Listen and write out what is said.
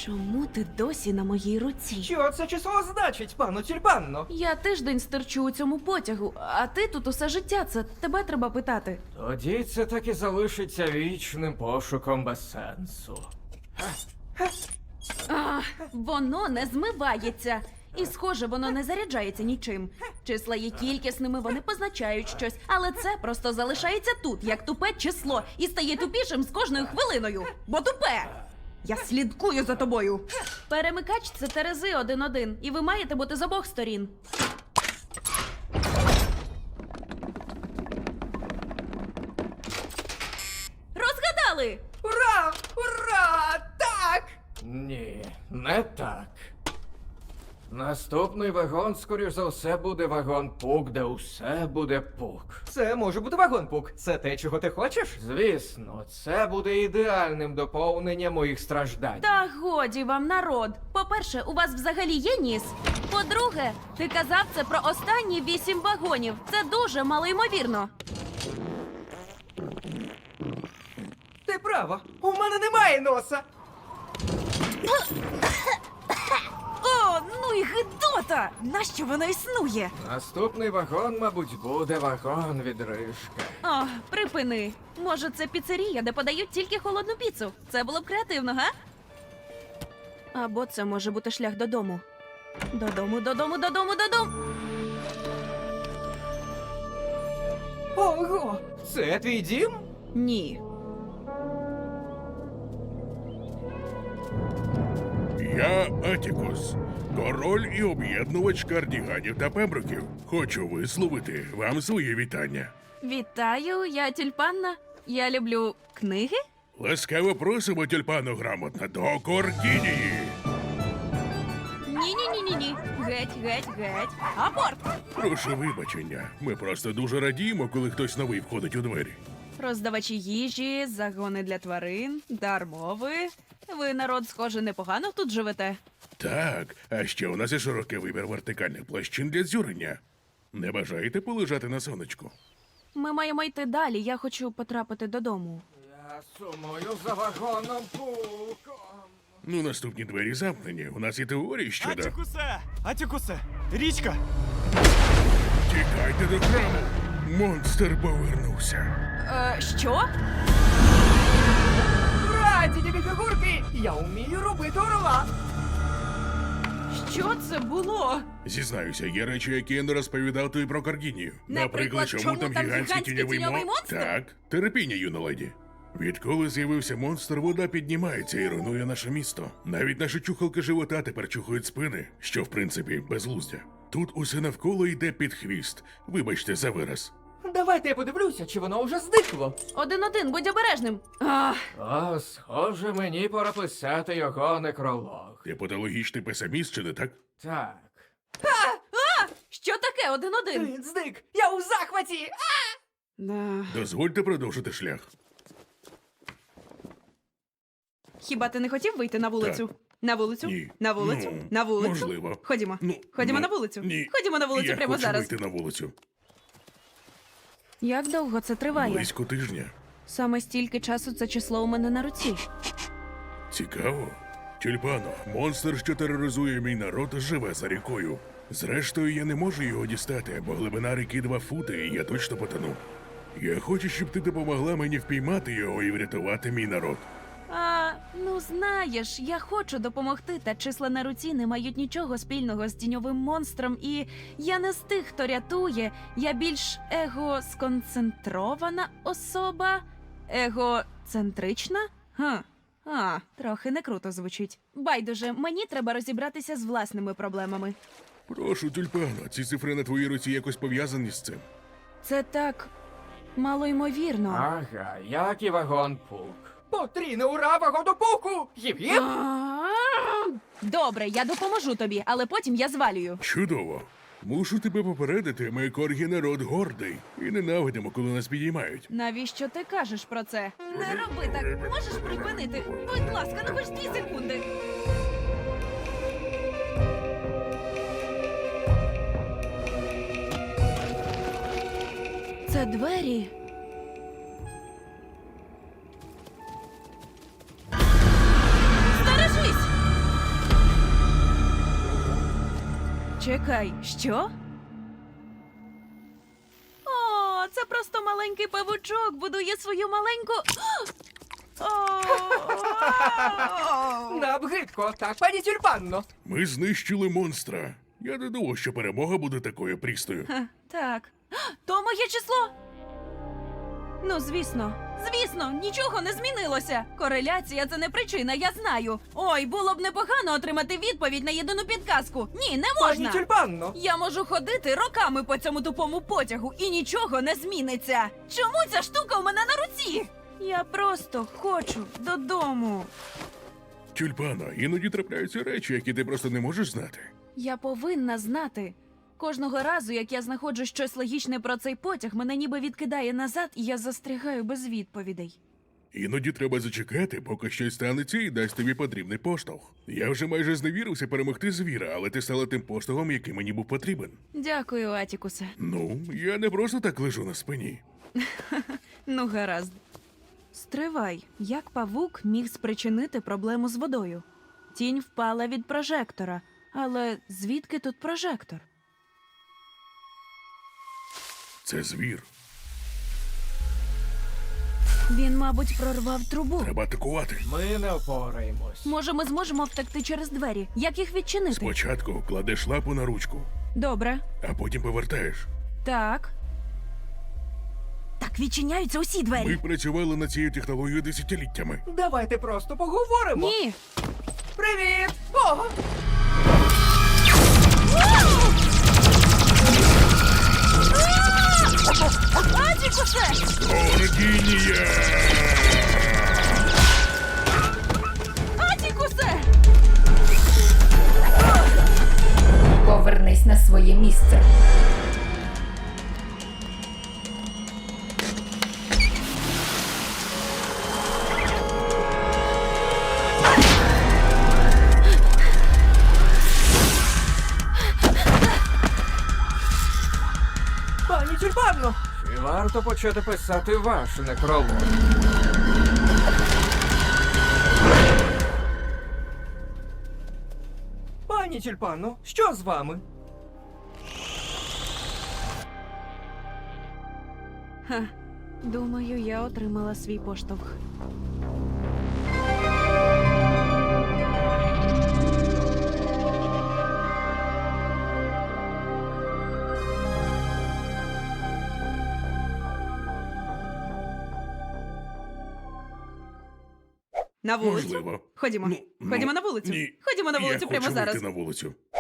Чому ти досі на моїй руці? Що це число значить, пану Тюльпанно? Я тиждень стерчу у цьому потягу, а ти тут усе життя. Це тебе треба питати. Тоді це так і залишиться вічним пошуком без сенсу. Воно не змивається. І, схоже, воно не заряджається нічим. Числа є кількісними, вони позначають щось, але це просто залишається тут, як тупе число, і стає тупішим з кожною хвилиною. Бо тупе! Я слідкую за тобою. Перемикач – це терези 1-1, і ви маєте бути з обох сторін. Розгадали! Ура! Ура! Так! Ні, не так. Наступний вагон, скоріш за все, буде вагон Пук, де усе буде пук. Це може бути вагон Пук. Це те, чого ти хочеш? Звісно, це буде ідеальним доповненням моїх страждань. Та годі вам, народ. По-перше, у вас взагалі є ніс. По-друге, ти казав це про останні 8 вагонів. Це дуже малоймовірно. Ти права. У мене немає носа. О, ну і гидота! Нащо воно існує? Наступний вагон, мабуть, буде вагон відрижки. О, припини. Може, це піцерія, де подають тільки холодну піцу? Це було б креативно, га? Або це може бути шлях додому. Додому. Ого! Це твій дім? Ні. Я Атікус, король і об'єднувач кардіганів та пемброків. Хочу висловити вам своє вітання. Вітаю, я Тюльпанна. Я люблю книги. Ласкаво просимо тюльпану грамотна до Кордінії. Ні. Геть. Аборт! Прошу вибачення, ми просто дуже радіємо, коли хтось новий входить у двері. Роздавачі їжі, загони для тварин, дар мови. Ви, народ, схоже, непогано тут живете. Так, а ще у нас є широкий вибір вертикальних площин для дзюрення. Не бажаєте полежати на сонечку? Ми маємо йти далі, я хочу потрапити додому. Я сумую за вагоном Пуком. Ну, наступні двері замкнені. У нас є теорії щодо... Атікусе! Річка! Тікайте до храму! Монстр повернувся. Що? Ура, ці тобі фігурки! Я вмію робити орла! Що це було? Зізнаюся, є речі, які я не розповідав тобі про Каргінію. Наприклад, чому там гігантський тіньовий монстр? Так, терпіння, юна леді. Відколи з'явився монстр, вода піднімається і руйнує наше місто. Навіть наші чухалки живота тепер чухають спини, що в принципі безглуздя. Тут усе навколо йде під хвіст. Вибачте за вираз. Давайте я подивлюся, чи воно вже зникло. 1-1, будь обережним. О, схоже, мені пора писати його некролог. Ти патологічний песиміст, чи не так? Так. Що таке 1-1? Він зник! Я у захваті! Дозвольте продовжити шлях. Хіба ти не хотів вийти на вулицю? Так. На вулицю? Ні. На вулицю? Ну, На вулицю? можливо. Ходімо. Ну, Ходімо ну, на вулицю. ні. Ходімо на вулицю Я прямо хочу зараз. вийти на вулицю. Як довго це триває? Близько тижня. Саме стільки часу це число у мене на руці. Цікаво. Тюльпано, монстр, що тероризує мій народ, живе за рікою. Зрештою, я не можу його дістати, бо глибина ріки 2 фути, і я точно потону. Я хочу, щоб ти допомогла мені впіймати його і врятувати мій народ. Ну знаєш, я хочу допомогти, та числа на руці не мають нічого спільного з тіньовим монстром, і я не з тих, хто рятує. Я більш егосконцентрована особа. Егоцентрична? Трохи не круто звучить. Байдуже, мені треба розібратися з власними проблемами. Прошу, Тюльпано, ці цифри на твоїй руці якось пов'язані з цим. Це так малоймовірно. Ага, як і вагон Пук. Потрійне ура вагону Пуку! Гіп-гіп! Добре, я допоможу тобі, але потім я звалюю. Чудово. Мушу тебе попередити, ми коргі народ гордий. І ненавидимо, коли нас підіймають. Навіщо ти кажеш про це? Не роби так. Можеш припинити? Будь ласка, ну хоч 2 секунди. Це двері. Стережись! Чекай, що? О, це просто маленький павучок будує свою маленьку. О! Нам гидко, так, пані тюльпанно? Ми знищили монстра. Я не думав, що перемога буде такою прістою. Ха, так. То моє число. Ну, звісно, нічого не змінилося. Кореляція це не причина, я знаю. Ой, було б непогано отримати відповідь на єдину підказку. Ні, не Пані можна. тюльпанно? Я можу ходити роками по цьому тупому потягу і нічого не зміниться. Чому ця штука у мене на руці? Я просто хочу додому. Тюльпано, іноді трапляються речі, які ти просто не можеш знати. Я повинна знати. Кожного разу, як я знаходжу щось логічне про цей потяг, мене ніби відкидає назад, і я застрягаю без відповідей. Іноді треба зачекати, поки щось станеться і дасть тобі потрібний поштовх. Я вже майже зневірився перемогти звіра, але ти стала тим поштовхом, який мені був потрібен. Дякую, Атікусе. Ну, я не просто так лежу на спині. Ну, гаразд. Стривай, як павук міг спричинити проблему з водою? Тінь впала від прожектора. Але звідки тут прожектор? Це звір. Він, мабуть, прорвав трубу. Треба атакувати. Ми не впораємось. Може, ми зможемо втекти через двері? Як їх відчинити? Спочатку кладеш лапу на ручку, Добре. а потім повертаєш. Так. Так відчиняються усі двері. Ми працювали над цією технологією десятиліттями. Давайте просто поговоримо. Ні. Привіт! О! Атікусе! Оргінія! Атікусе! Повернись на своє місце. Пані тюльпанно! Чи варто почати писати ваш некролог? Пані тюльпанно, що з вами? Ха. Думаю, я отримала свій поштовх. На вулицю? Можливо. Ходімо. Ну, Ходімо на вулицю. Ні. Ходімо на вулицю Я прямо хочу зараз. вийти на вулицю.